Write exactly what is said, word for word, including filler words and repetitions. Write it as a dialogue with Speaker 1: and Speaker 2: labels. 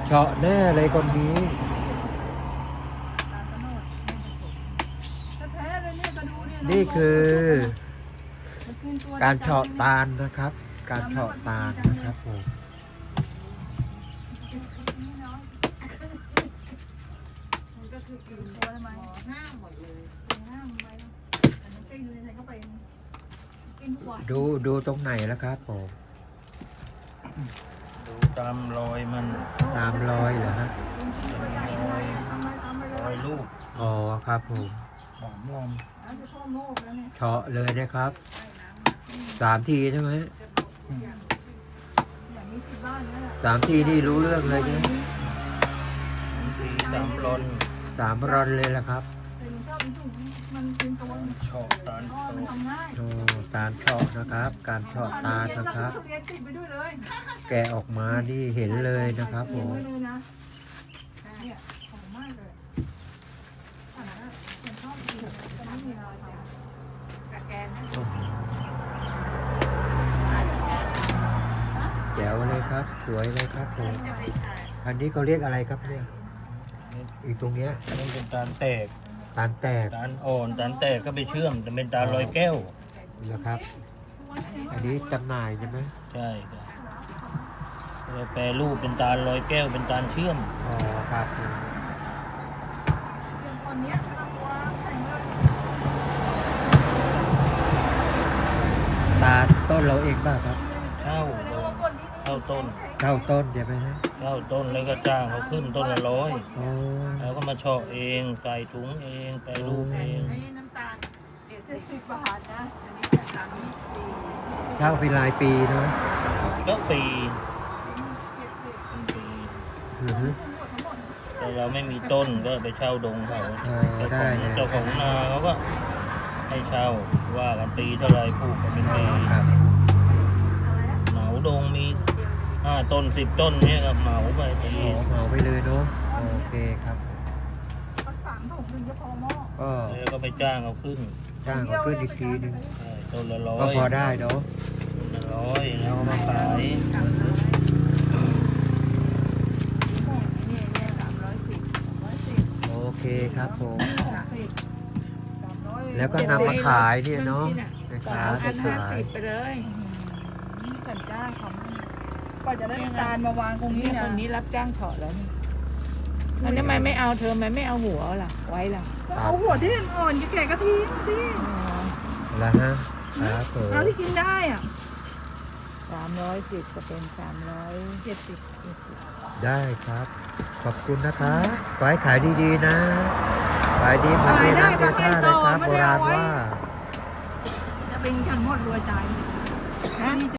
Speaker 1: เฉาะแน่เลยคนนี้ นี่คือการเฉาะตาลนะครับ การเฉาะตาลนะครับผมดูดูตรงไหนแล้วครับผม
Speaker 2: ดูตามรอยมัน
Speaker 1: ตามรอยเหรอฮะ
Speaker 2: รอยรอยลูก
Speaker 1: อ๋อครับผม
Speaker 2: สามล
Speaker 1: เฉาะเลยนะครับสามทีใช่ไหมสามทีนี่รู้เรื่องเลยใช่ไหม
Speaker 2: ำทีสามรอน
Speaker 1: สามรอนเลยละครับ
Speaker 2: ชอบตาลโต
Speaker 1: โอ้ตาลเฉาะนะครับ การเฉาะตาลนะครับ แกะออกมานี่เห็นเลยนะครับผมแจ๋วเลยครับ สวยเลยครับผมอันนี้เขาเรียกอะไรครับเนี่ยอีกตรงเนี้ย
Speaker 2: นี่เป็นตาลแตก
Speaker 1: ตาลแตก
Speaker 2: ตาลอ่อนตาลแตกก็ไปเชื่อมจะเป็นตาลลอยแก้ว
Speaker 1: นะครับ อันนี้จำหน่ายใช่ไหม
Speaker 2: ใช่ครับเราแปรรูปเป็นตาลลอยแก้วเป็นตาลเชื่อม
Speaker 1: อ๋อครับตาลต้นเราเองบ้างครับ
Speaker 2: เช่าเช่าต้น
Speaker 1: เข้าต้นใช่ไหมฮะ
Speaker 2: เช่าต้นแล้วก็จ้างเขาขึ้นต้นละร้อย
Speaker 1: โอ้
Speaker 2: แล้วก็มาเฉาะเองใส่ถุงเองแปรรูปเอง
Speaker 3: น้ำตาลเจ็ดสิบบาทนะอันนี้สามสิบสี่
Speaker 1: เช่าเป็นรายปีเนาะ
Speaker 2: ก็ปีปี
Speaker 1: อือฮึ
Speaker 2: แต่เราไม่มีต้นก็ไปเช่าดงเขา
Speaker 1: อ๋อได้เลย
Speaker 2: เจ้าของนาเขาก็ให้เช่าว่ากันปีเท่าไรปลูกกันเป็นปี
Speaker 1: ครับ
Speaker 2: เหมาดงมีห้าต้นสิบต้นเนี้ยครับเหมาไปปี
Speaker 1: โอ้เหมาไปเลยเนาะโอเคครับก็
Speaker 2: แล้วก็ไปจ้างเขาขึ้น
Speaker 1: จ้างเขาขึ้นอีกทีหนึง
Speaker 2: ใช่ต้นละร้อ
Speaker 1: ก็
Speaker 2: ย
Speaker 1: พอได้เนาะ
Speaker 2: ต้นละร้อยแล้วเอามาขาย
Speaker 3: นี่เนี่ยสามร้อยสิบร้อยสิบ
Speaker 1: โอเคครับผม
Speaker 3: สามสิบสามร้อย
Speaker 1: แล้วก็นำมาขายเนี่ยเนาะนะ
Speaker 3: สา
Speaker 1: คะ
Speaker 3: มพั
Speaker 1: จะ
Speaker 3: นห้า
Speaker 1: ขาย
Speaker 3: สิบไปเลย
Speaker 4: ฉันจ้างเขากว่าจะได้จานมาวางตรงนี้
Speaker 3: นี่
Speaker 4: นะ
Speaker 3: คนนี้รับจ้างเฉาะแล้วนี่มันทำไมไม่เอาเธอทำไมไม่เอาหัวล่ะ ไว้ล่ะ
Speaker 4: เอาหัวที่อ่อนๆแก่ๆก็ทิ้งสิ
Speaker 1: แล้วฮะครับผม
Speaker 4: เอาที่กินได้อ่ะ
Speaker 3: สามร้อยสิบจะเป็นสามร้อยเจ็ดสิบ
Speaker 1: ได้ครับ ขอบคุณนะครับขอให้ขายดีๆนะขายดีมา
Speaker 4: ขาย
Speaker 1: ดี
Speaker 4: ได้
Speaker 1: นะ
Speaker 4: ก็
Speaker 1: เดือน
Speaker 4: ให้
Speaker 1: ท่า
Speaker 4: ต่
Speaker 1: เลย
Speaker 4: อ
Speaker 1: ครับโบราณ
Speaker 4: ไม่ได้เอาไว้
Speaker 1: ว่า
Speaker 4: จะเป็นขันหมดรวยใจ
Speaker 3: ฮะ